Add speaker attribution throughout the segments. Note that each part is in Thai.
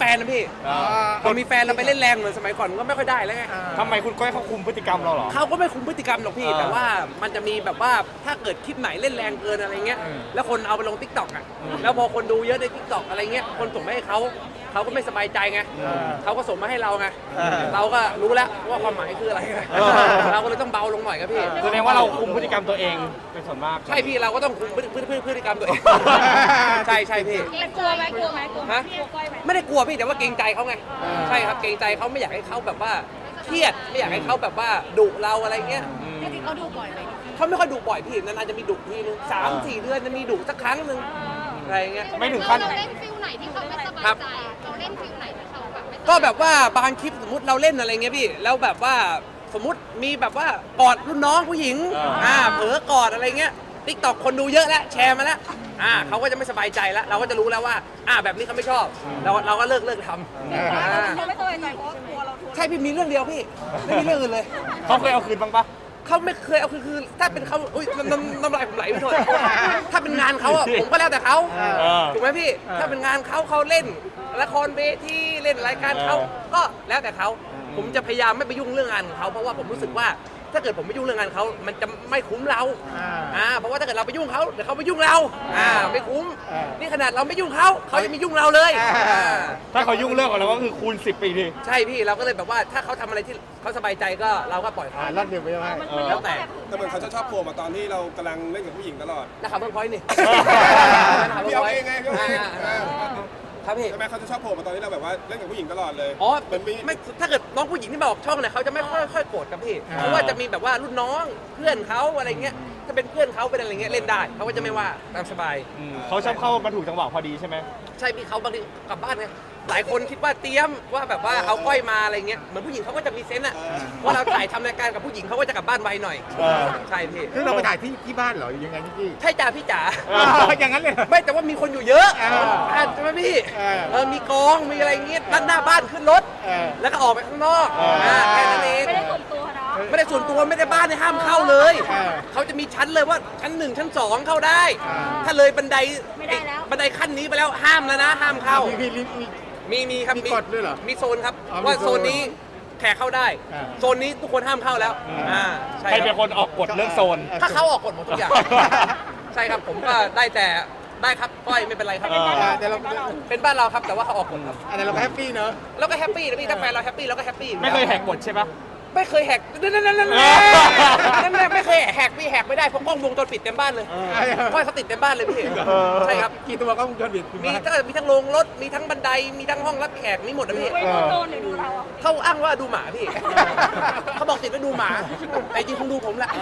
Speaker 1: ฟนนะพี่พอมีแฟนเราไปเล่นแรงเหมือนสมัยก่อนก็ไม่ค่อยได้แล้วไง
Speaker 2: ทำไมคุณก้อยเขาคุมพฤติกรรมเราเหรอ
Speaker 1: เขาก็ไม่คุมพฤติกรรมหรอกพี่แต่ว่ามันจะมีแบบว่าถ้าเกิดคลิปไหนเล่นแรงเกินอะไรเงี้ยแล้วคนเอาไปลง TikTok อ่ะแล้วพอคนดูเยอะใน TikTok อะไรเงี้ยคนส่งมาให้เขาก็ไม่สบายใจไงเขาก็ส่งมาให้เราไงเราก็รู้แล้วว่าความหมายคืออะไรเราก็เลยต้องเบาลงหน่อยครับพี่
Speaker 2: แสดงว่าเราคุมพฤติกรรมตัวเองเป็นส่วนมาก
Speaker 1: ใช่พี่เราก็ต้องคุมพฤติกรรมตัวเองใช่พี่
Speaker 3: กลัวไหมกลัว
Speaker 1: ฮะไม่ได้กลัวพี่แต่ว่าเกรงใจเขาไงใช่ครับเกรงใจเขาไม่อยากให้เขาแบบว่าเครียดไม่อยากให้เขาแบบว่าดุเราอะไรเงี้ย
Speaker 3: จริงๆเขาดูบ่อยไหม
Speaker 1: เขาไม่ค่อยดุบ่อยพี่นานๆจะมีดุทีนึง3-4 เดือนจะมีดุสักครั้งนึงอะไรเงี้ย
Speaker 2: ไม่ถึงขั้น
Speaker 3: เราเล่นฟิลไหนที่เขาไม่สบายใจเราเล่นฟิลไหนที่เขาแบบไม่
Speaker 1: ก็แบบว่าบางคลิปสมมติเราเล่นอะไรเงี้ยพี่แล้วแบบว่าสมมติมีแบบว่ากอดรุ่นน้องผู้หญิงเผลอกอดอะไรเงี้ยTikTok คนดูเยอะแล้วแชร์มาแล้วเขาก็จะไม่สบายใจแล้วเราก็จะรู้แล้วว่าแบบนี้เขาไม่ชอบเราก็เลิกทำ
Speaker 3: เขาไม่สบายใจเพราะกลัวเรา
Speaker 1: ใช่พี่มีเรื่องเดียวพี่ไม่มีเรื่องอื่นเลย
Speaker 2: เขาเคยเอาคืนบ้างปะ
Speaker 1: เขาไม่เคยเอาคือถ้าเป็นเขาอุ้ยน้ำลายผมไหลไปหมดถ้าเป็นงานเขาผมก็แล้วแต่เขาถูกไหมพี่ถ้าเป็นงานเขาเล่นละครเวทีเล่นรายการเขาก็แล้วแต่เขาผมจะพยายามไม่ไปยุ่งเรื่องงานของเขาเพราะว่าผมรู้สึกว่าถ้าเกิดผมไม่ยุ่งเรื่องงานเขามันจะไม่คุ้มเราเพราะว่าถ้าเกิดเราไปยุ่งเขาเดี๋ยวเขาไปยุ่งเราไม่คุ้มนี่ขนาดเราไม่ยุ่งเขาจะไม่ยุ่งเราเลย
Speaker 2: ถ้าเขายุ่งเรื่องของเราก็คือคูณ10 ปีที
Speaker 1: ใช่พี่เราก็เลยแบบว่าถ้าเขาทำอะไรที่เขาสบายใจก็เราก็ปล่อยเขา
Speaker 4: ลั่นเดียวไปไหม
Speaker 1: แล้วแต่
Speaker 5: เหมือนเขาจะชอบโผล่มาตอนที่เรากำลังเล่นกับผู้หญิงตลอด
Speaker 1: นะครับเพิ่งพอยต์นี่
Speaker 5: พี่เอาเองไงพี่เอาเอง
Speaker 1: ครับพี่
Speaker 5: ทำไมเขาจะชอบโผล่มาตอนที่เราแบบว่าเล่นกับผู้หญิงตลอดเลย
Speaker 1: ไม่ถ้าเกิดน้องผู้หญิงที่มาออกช่องเนี่ยเขาจะไม่ค่อยโกรธกับพี่เพราะว่าจะมีแบบว่ารุ่นน้องเพื่อนเขาอะไรเงี้ยถ้าเป็นเพื่อนเขาเป็นอะไรเงี้ยเล่นได้เขาก็จะไม่ว่าตามสบาย
Speaker 2: เขาชอบเข้ามาถูกจังหวะพอดีใช่ไหม
Speaker 1: ใช่พี่เขาบางทีกลับบ้านไงหลายคนคิดว่าเตรียมว่าแบบว่าเอาก้อยมาอะไรเงี้ยเหมือนผู้หญิงเขาก็จะมีเซนส์อะว่าเราถ่ายทำรายการกับผู้หญิงเขาก็จะกลับบ้านไวหน่อยใช่พี่
Speaker 4: คือเราไปถ่ายที่บ้านเหรอยังไงพี่
Speaker 1: ใช่จ่าพี่จ๋า
Speaker 4: อย่างนั้นเลย
Speaker 1: ไม่แต่ว่ามีคนอยู่เยอะใช่ไหมพี่มีกองมีอะไรเงี้ยด้านหน้าบ้านขึ้นรถแล้วก็ออกไปข้างนอกแค่นั้นเอง
Speaker 3: ไม่ได้ส่วนตัวนะ
Speaker 1: ไม่ได้ส่วนตัวไม่ได้บ้านในห้ามเข้าเลยเขาจะมีชั้นเลยว่าชั้น1ชั้น2เข้าได้ถ้าเลยบันไดขั้นนี้ไปแล้วห้ามแล้วนะห้ามเข้ามีครับ
Speaker 4: มีกฎด้วยเหรอ
Speaker 1: มีโซนครับว่าโซนนี้แขกเข้าได้โซนนี้ทุกคนห้ามเข้าแล้ว
Speaker 2: ใครเป็นคนออกกฎเรื่องโซน
Speaker 1: ถ้าเขาออกกฎหมดทุกอย่างใช่ครับผมก็ได้แต่ได้ครับก้อยไม่เป็นไรครับ
Speaker 4: แต่เรา
Speaker 1: เป็นบ้านเราครับแต่ว่าเขาออกกฎครับ
Speaker 4: อันนี้เราก็แฮปปี้เนอะ
Speaker 1: เราก็แฮปปี้นะพี่ถ้าแฟนเราแฮปปี้เราก็แฮปปี้
Speaker 2: ไม่เคยแหกกฎใช่ปะ
Speaker 1: ไม่เคยแหกนั่นไม่เคยแหกพี่แหกไม่ได้เพราะกล้องวงจรปิดเต็มบ้านเลยก้อยเขาติดเต็มบ้านเลยพี่ใช่ครับ
Speaker 4: กี่ตัวกล้องวงจรปิด
Speaker 1: มีทั้งโรงรถมีทั้งบันไดมีทั้งห้องรับแขกมีหมดนะพี่เขาอ้างว่าดูหมาพี่เขาบอกติดไว้ดูหมาแต่จริงคงดูผมแหละ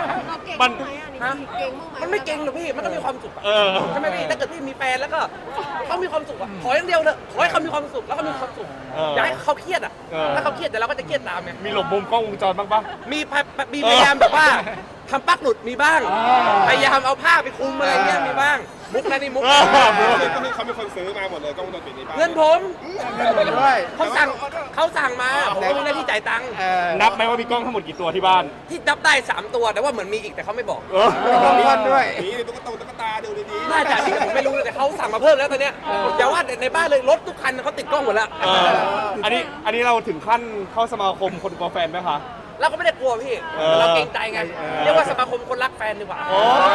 Speaker 1: มันไม่เก่งหรอกพี่มันก็มีความสุขใช่ไหมพี่ถ้าเกิดพี่มีแฟนแล้วก็เขามีความสุขอะขออย่างเดียวเถอะขอให้เขามีความสุขแล้วก็มีความสุขอย่าให้เขาเครียดอะถ้าเขาเครียดแต่เราก็จะเครียดตามไง
Speaker 2: มีหลบมุมกล้องวงจรบ้างปะ
Speaker 1: มีพยายามแบบว่าทำปลั๊กหลุดมีบ้างพยายามเอาผ้าไปคลุมอะไรเงี้ยมีบ้างมุกนะนี่มุก
Speaker 5: ก็คือเขาเป็นคนซื้อมาหมดเลยกล้องวงจรปิดนี้
Speaker 1: เงินผม
Speaker 4: ด้วย
Speaker 1: เขาสั่งมาผมก็มีหน้าที่จ่ายตังค์
Speaker 2: นับไหมว่ามีกล้องทั้งหมดกี่ตัวที่บ้าน
Speaker 1: ที่นับได้3 ตัวแต่ว่าเหมือนมีอีกแต่เขาไม่บอก
Speaker 4: มีด้วย
Speaker 5: นี่ตุ๊กตาดูดี
Speaker 1: น่าจะที่ผมไม่รู้เลยแต่เขาสั่งมาเพิ่มแล้วตอนเนี้ยอย่าว่าในบ้านเลยรถทุกคันเขาติดกล้องหมดแล้ว
Speaker 2: อันนี้เราถึงขั้นเข้าสมาคมคนกลัวแฟนไหมคะ
Speaker 1: เราก็ไม่ได้กลัวพี่เราเกรงใจไงเรียกว่าสมาคมคนรักแฟนดีกว่า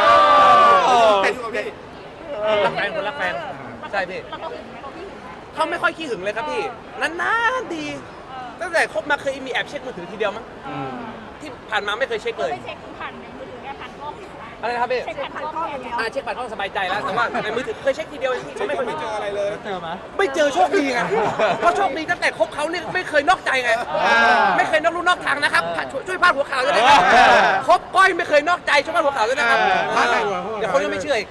Speaker 1: รักแฟนคนรักแฟนใช่พี่เขาไม่ค่อยขี้หึงเลยครับพี่นานๆดีตั้งแต่คบมาเคยมีแอบเช็คมือถือทีเดียวมั้งที่ผ่านมาไม่เคยเช็คเลย
Speaker 3: เช็คผ่านในมือถือผ่านกล้อง
Speaker 1: อะไรนะครับพี่
Speaker 3: เช็คผ่านกล้องอย่างเดียว
Speaker 1: เช็คผ่านกล้องสบายใจแล้วแต่ว่าในมือถือเคยเช็คทีเดียวที่ไม่เคย
Speaker 5: เจออะไรเลย
Speaker 4: เจอไหม
Speaker 1: ไม่เจอโชคดีไงเพราะโชคดีตั้งแต่คบเขาเนี่ยไม่เคยนอกใจไงไม่เคยนอกลู่นอกทางนะครับช่วยพาดหัวข่าวด้วยนะครับคบก้อยไม่เคยนอกใจช่วยพาดหัวข่าวด้วยนะครับเดี๋ยวคนก็ไม่เชื่ออีก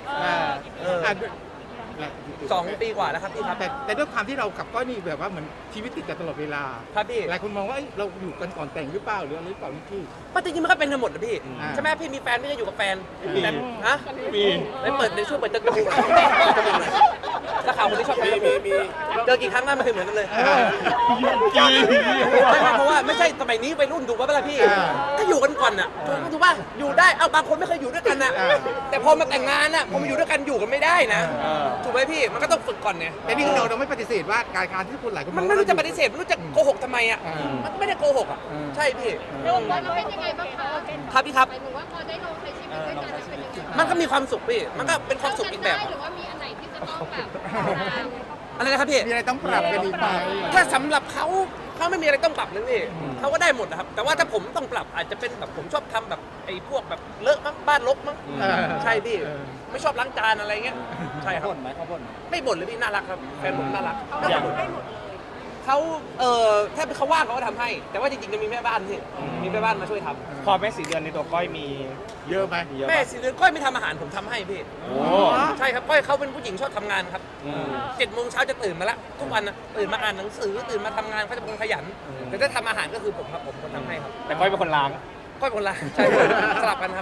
Speaker 1: 2 ปีกว่าแล้วครับพี่ครับ
Speaker 4: แต่ด้วยความที่เรากับก้อยนี่แบบว่าเหมือนชีวิตติดกันตลอดเวลา
Speaker 1: ครับพี่
Speaker 4: หลายคนมองว่าเราอยู่กันก่อนแต่งหรือเปล่าหรืออะไรหรือเปล่านี่พี่
Speaker 1: จริงๆมันก็เป็นกันหมดนะพี่ใช่ไหมพี่มีแฟนไม่ได้อยู่กับแฟนแต่ฮะ
Speaker 2: มี
Speaker 1: ไม่เปิดในช่วงเปิดจะดูนักข่าวคนที่ชอบทำมีเจอกี่ครั้งหน้าไม่เคยเหมือนกันเลยไม่เพราะว่าไม่ใช่สมัยนี้วัยรุ่นดูว่าเวลาพี่ก็อยู่กันก่อนอ่ะถูกป่ะอยู่ได้เอาบางคนไม่เคยอยู่ด้วยกันอ่ะแต่พอมาแต่งงานอ่ะพอมาอยู่ด้วยกันอยู่กันไม่ได้นะถูกไหมพี่มันก็ต้องฝึกก่อนไง
Speaker 4: แต่นี่คือเราไม่ปฏิเสธว่าการที่คนหลายคน
Speaker 1: มันไม่รู้จะปฏิเสธไม่รู้จะโกหกทำไมอ่ะมันไม่ได้โกหกอ่ะใช่พี่
Speaker 3: แล้วมันเป็นยังไงบ้างคะ
Speaker 1: ครับพี่ครับ
Speaker 3: หมายถึงว่าพอได้ลองใช้ชีวิตด้วยกันแล้วเป็นยังไง
Speaker 1: มันก็มีความสุขพี่มันก็เป็นความสุขอีกแบบ
Speaker 3: หรือว่ามีอันไหนที่จะต้องแบบ
Speaker 1: อะไรนะครับพี่
Speaker 4: มีอะไรต้องปรับกันอีกไหม
Speaker 1: ถ้าสำหรับเขาไม่มีอะไรต้องปรับเลยพี่เขาก็ได้หมดนะครับแต่ว่าถ้าผมต้องปรับอาจจะเป็นแบบผมชอบทำแบบไอ้พวกแบบเลอะมั้งบ้านรกมั้งใช่พี่ไม่ชอบล้างจานอะไรเงี้ยใช่ครับบ่นไหมเขาบ่นไม่บ่นเลยพี่น่ารักครับแฟนผมน่ารักเขาถ้าเขาว่างเขาก็ทำให้ แต่ว่าจริงๆจะมีแม่บ้านพี่มีแม่บ้านมาช่วยทำ
Speaker 2: พอแม่สีเดือนในตัวก้อยมี
Speaker 4: เยอะไหม
Speaker 2: เยอะ
Speaker 1: แม่สิเดือนก้อยไม่ทำอาหารผมทำให้พี่
Speaker 2: โอ้
Speaker 1: ใช่ครับก้อยเขาเป็นผู้หญิงชอบทำงานครับ7 โมงเช้าจะตื่นมาละทุกวันนะตื่นมาอ่านหนังสือตื่นมาทำงานเขาจะเป็นคนขยันแต่ถ้าทำอาหารก็คือผมครับผมคนทำให้ครับ
Speaker 2: แต่ก้อยเป็นคนล้าง
Speaker 1: ก้อยคนละใช่ครับสลับกันครับ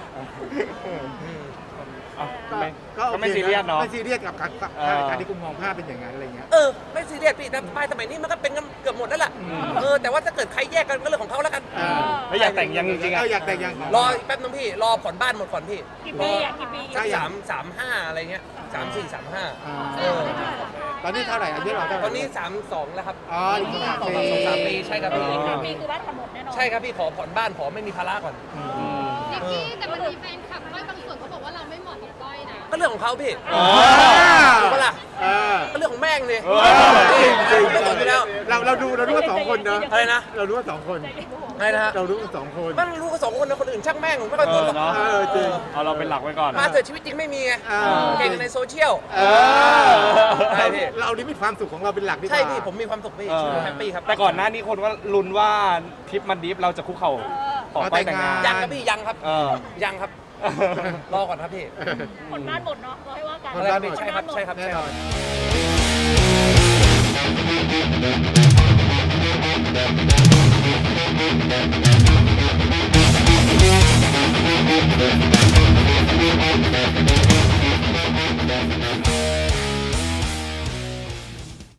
Speaker 2: อ่ะ
Speaker 4: ก็
Speaker 2: ก็ไม่ซีเรียสเนาะ
Speaker 4: ไม่ซีเรียสกับการที่คุณมองภาพเป็นอย่างนั้นอะไรเงี้ย
Speaker 1: ไม่ซีเรียสพี่แต่ป้ายสมัยนี้มันก็เป็นกันเกือบหมดแล้วล่ะแต่ว่าถ้าเกิดใครแยกกันก็เรื่องของเขาแล้วกัน
Speaker 2: แล้วอยากแต่งยังจริงๆอ่ะ
Speaker 4: อยากแต่งยัง
Speaker 1: รออีกแป๊บนึงพี่รอผ่อนบ้านหมดก่อนพี่
Speaker 3: กี่ปีอ่ะกี่ปี
Speaker 1: สัก3-5อะไรเงี้ย3-4-3-5
Speaker 4: ตอนนี้เท่าไหร่อายุเราเท่าไหร่
Speaker 1: ตอนนี้32แล้วครับ
Speaker 4: อ๋ออีก3 ปี
Speaker 1: 2-3 ปีใช่ครับพี่
Speaker 3: ปีคือบ้านทำหมดแน่นอน
Speaker 1: ใช่ครับพี่ขอผ่อนบ้านขอไม่มีภาระก่อน
Speaker 3: นิกกี้แต่มันมีแฟนคลับก้อยบางส่วนเขาบอกว่าเราไม่เหมาะกับก้อยนะ
Speaker 1: ก็เรื่องของเขาพี่
Speaker 2: อ๋อ
Speaker 1: ถูกปะล่ะ
Speaker 4: เออ
Speaker 1: ก็เรื่องของแม่งเลย
Speaker 2: จริง
Speaker 1: ไม่สนอยู่แล้ว
Speaker 4: เราดูว่าสองคนเนอะ
Speaker 1: อะไรนะ
Speaker 4: เรารู้ว่าสองคน
Speaker 1: อะไรนะฮะ
Speaker 4: เรารู้ว่าสองคน
Speaker 1: มันรู้กัน2 คนนะคนอื่นช่างแม่งผมไม่ค่อยสนหรอก
Speaker 2: เนาะ
Speaker 4: จริง
Speaker 2: เอาเราเป็นหลักไว้ก่อน
Speaker 1: มาเถอะชีวิตจริงไม่มีไง เก่งในโซเชียล ใช่พี่
Speaker 4: เรานี่มีความสุขของเราเป็นหลักดีกว่า
Speaker 1: ใช่พี่ผมมีความสุขพี่ชีวิตผมแฮปปี้ครับ
Speaker 2: แต่ก่อนหน้านี้คนว่าลุ้นว่าทริปมันดิฟเราจะคุกเข่าขอก้อยแต่งงาน
Speaker 1: ยังครับพี่ยังครับ ยังครับ รอก่อนครับพี่
Speaker 3: ผลบ้านหมดเนาะเราให้ว่ากัน
Speaker 1: อะไรครับพี่ใช่ครับใช่ครับ
Speaker 4: แน่
Speaker 1: ใช่
Speaker 4: น
Speaker 1: ค
Speaker 4: อ
Speaker 1: รับ
Speaker 4: น